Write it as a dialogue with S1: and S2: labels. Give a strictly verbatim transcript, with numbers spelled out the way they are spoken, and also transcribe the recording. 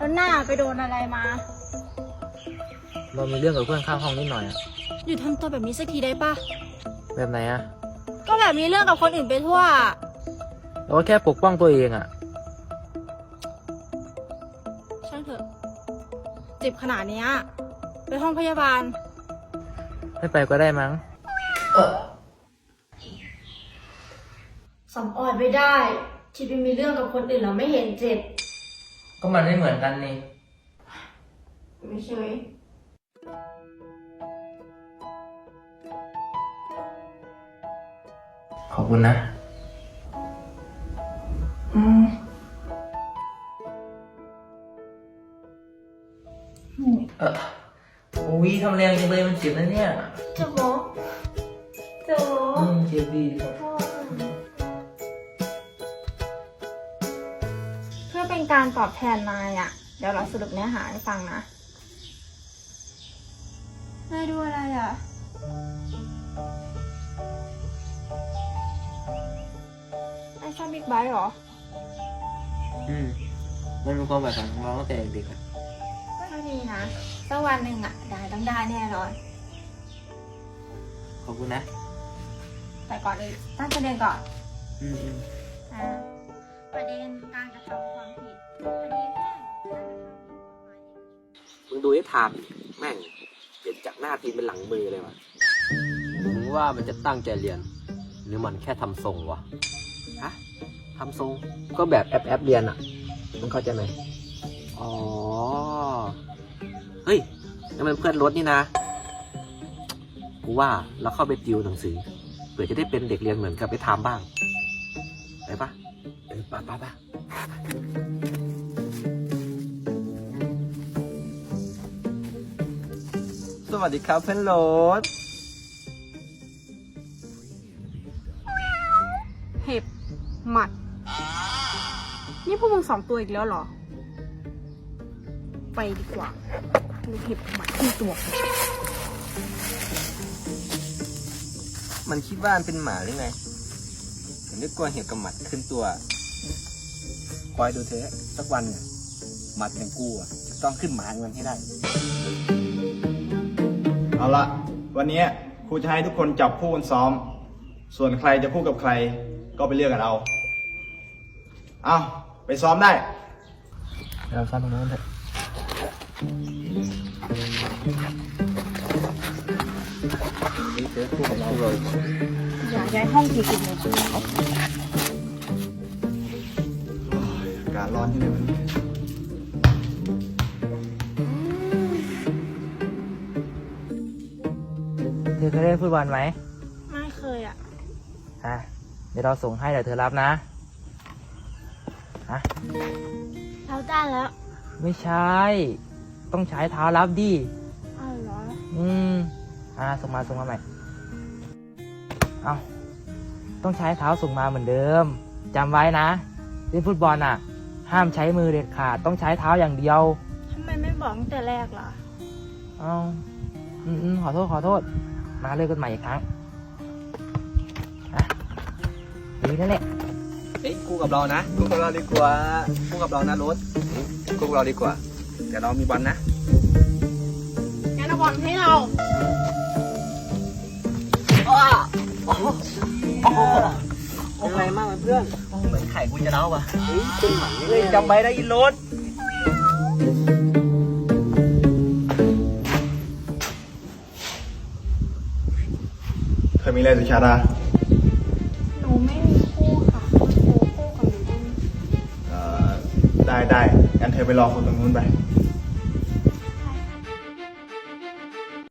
S1: แล้วหน้าไปโดนอะไรมา
S2: เรามีเรื่องกับเพื่อนข้างห้องนิดหน่อยอะ
S1: หยุดทำตัวแบบนี้สักทีได้ปะ
S2: แบบไหนอะ
S1: ก็แบบมีเรื่องกับคนอื่นไปทั่ว
S2: เราก็แค่ปกป้องตัวเองอะ
S1: ช่างเถอะเจ็บขนาดนี้ไปห้องพยาบาล
S2: ไม่ไปก็ได้มั้ง
S1: สำออดไม่ได้ที่ไปมีเรื่องกับคนอื่นแล้วไม่เห็นเจ็บ
S2: ก็มันไม่เหมือนกันนี่
S1: ไม่เฉย
S2: ขอบคุณนะ
S1: อืม
S2: เออโอ้ยทำแรงจังเลยมันเจ็บนะเนี่ย
S1: เจ็บหรอเจ็บหรอ
S2: อืมเจ็บดี
S1: เพื่อเป็นการตอบแทนนายอ่ะเดี๋ยวเราสรุปเนื้อหาให้ฟังนะนายดูอะไรอ่ะนายชอบบิ๊กไบค์เหรอ
S2: อืมมันเป็นความแบบของเราตั้งแต่เด็กอะ
S1: ก็ดีนะสักวันหนึ่งอ่ะได้ต้องได้แน่นอน
S2: ขอบคุณนะ
S1: แต่ก่อนอื่นตั้งประเด็นก่อน
S2: อืมอืม
S1: อ่าประเด็นการกระทำความผิดคดีแพ่งการกระทำผิดกฎหมาย
S3: มึงดูไอ้ทามแม่งเปลี่ยนจากหน้าทีมเป็นหลังมือเลยวะมึงว่ามันจะตั้งใจเรียน หรือมันแค่ทำทรงวะฮะทำทรงก็แบบแอปแอปเรียนอ่ะมึงเข้าใจไหมอ๋อเฮ้ยนั่นมันเพื่อนรถนี่นะกูว่าเราเข้าไปติวหนังสือเผื่อจะได้เป็นเด็กเรียนเหมือนกับไอ้ทามบ้างไปปะเออไปไปไปสวัสดีครับเพื่อนรถ
S1: เห็บหมัดนี่พวกมึงสองตัวอีกแล้วเหรอไปดีกว่าลูกเห็บหมัดที่ตัว
S3: มันคิดว่ามันเป็นหมาหรือไงมันนึกกลัวเห็บกับหมัดขึ้นตัวคอยดูเถอะสักวันเนี่ยหมัดอย่างกูอ่ะจะต้องขึ้นหมาเงินให้ได้
S4: เอาละวันนี้ครูจะให้ทุกคนจับคู่กันซ้อมส่วนใครจะคู่กับใครก็ไปเลือกกันเอาเอาไปซ้อมได้
S2: เราซ้อมตรงนั้นเถอะ
S3: นี่เจอคู่กับเราเลย
S1: อยากย้ายห้องกี่สิบนาที
S4: อากาศร้อนที่ไหนวันนี้
S2: เธอเคยเล่นฟุตบอลไหม
S1: ไม่เคยอ่ะ
S2: อ่ะเดี๋ยวเราส่งให้เดี๋ยวเธอรับนะฮะ
S1: เราได้แล้ว
S2: ไม่ใช่ ต้องใช้เท้ารับดิ
S1: อ้าวเหรอ
S2: อืมอ่าส่งมาส่งมาใหม่เอาต้องใช้เท้าส่งมาเหมือนเดิมจำไว้นะเล่นฟุตบอลอ่ะห้ามใช้มือเด็ดขาดต้องใช้เท้าอย่างเดียว
S1: ทำไมไม่บอกตั้งแต่แรกล่ะ
S2: เอาอืมอืมขอโทษขอโทษมาเล่นกันใหม่อีกครั้งอ่ะดีนั่นแหละ
S3: เฮ้ยคู่กับเรานะคู่กับเราดีกว่าคู่กับเรานะรถคู่กับเราดีกว่าแต่เรามีบอลนะ
S1: งั้นเอาบอลให้เรา
S3: เป็นไรมากเพื่อนเหมือนไข่กูจะเล่าว่ะเฮ้ยเป็นหมันเลยจำไว้ได้ยินรถ
S4: เธอมีอะไรสุชาดา
S1: หนูไม่มีคู่ค่ะหนูคู่กับหนูได้ไหม
S4: เอ่อได้ได้งั้นเธอไปรอคนตรงนู้นไป